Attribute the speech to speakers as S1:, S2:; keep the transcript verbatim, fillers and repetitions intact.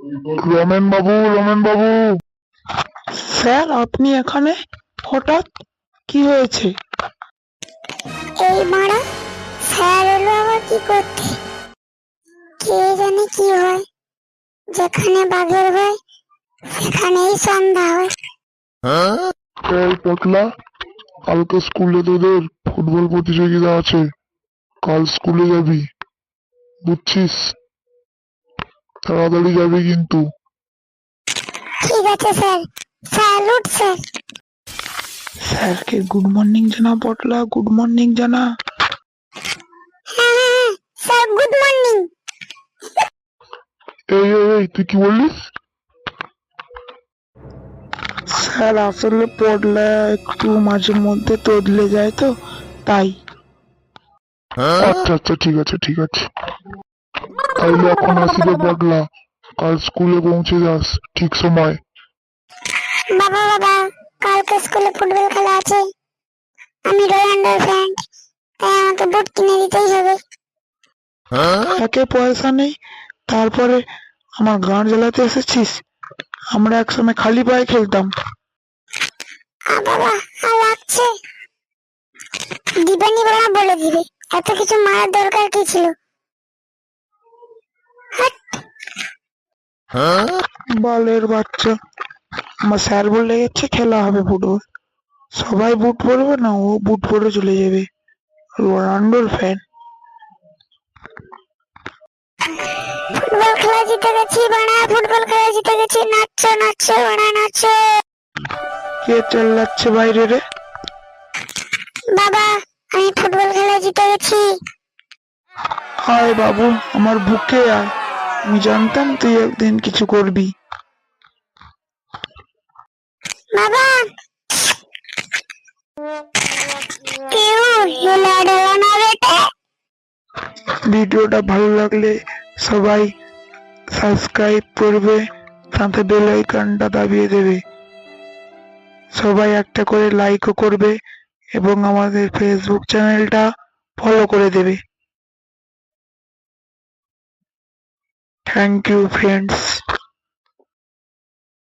S1: রমেন বাবু, রমেন বাবু।
S2: স্যার, আপনি এখানে হঠাৎ? কি হয়েছে?
S3: এই মারা স্যার এলো আবার কি করতে? কে জানে কি হয়, যেখানে বাঘের ভয় সেখানেই সন্ধ্যা হয়।
S1: এই পটলা, কালকে স্কুলে তোদের ফুটবল প্রতিযোগিতা আছে। কাল স্কুলে যাবি, বুঝছিস? তাড়াতাড়ি যাবি কিন্তু।
S3: ঠিক আছে স্যার। Salute sir.
S2: স্যারকে গুড মর্নিং জানা পটলা, গুড মর্নিং জানা।
S3: হ্যাঁ হ্যাঁ হ্যাঁ স্যার, গুড মর্নিং।
S1: এই এই এই তুই কি বললিস?
S2: স্যার, আসলে পটলা একটু মাঝে মধ্যে তোদলে যায় তো, তাই।
S1: আচ্ছা আচ্ছা, ঠিক আছে ঠিক আছে। তাইলে এখন আসি রে পটলা, কাল স্কুলে পৌঁছে যাস ঠিক সময়।
S3: বাবা বাবা, কালকে স্কুলে ফুটবল খেলা আছে। আমি রোনাল্ডোর ফ্যান, তাই আমাকে বুট কিনে দিতেই হবে।
S2: একে পয়সা নেই, তারপরে আমার গাঁট জ্বালাতে এসেছিস? আমরা একসময় খালি পায়ে খেলতাম।
S3: আ বাবা, আর লাগছে। দিবানি বাবা বলে দিবে, এত কিছু মারার দরকার কি ছিল? হাট।
S2: বালের বাচ্চা। আমার স্যার বলে গেছে খেলা হবে ফুটবল। সবাই বুট পরবে না, ও বুট পরে চলে যাবে। রোনাল্ডোর ফ্যান।
S3: ফুটবল খেলা জিতে গেছি বানা, ফুটবল খেলা জিতে গেছি। নাচো নাচো বানা, নাচো।
S2: কে চেল্লাচ্ছে বাইরে রে?
S3: বাবা, আমি ফুটবল খেলা জিতে গেছি।
S2: আয় বাবু, আমার বুকে আয়। আমি জানতাম তুই একদিন কিছু করবি।
S3: বাবা, কেউ হেলা ডেলা না বেটে।
S2: ভিডিওটা ভালো লাগলে সবাই সাবস্ক্রাইব করবে, সাথে বেল আইকনটা দাবিয়ে দেবে। সবাই একটা করে লাইকও করবে এবং আমাদের ফেসবুক চ্যানেলটা ফলো করে দেবে। Thank you friends.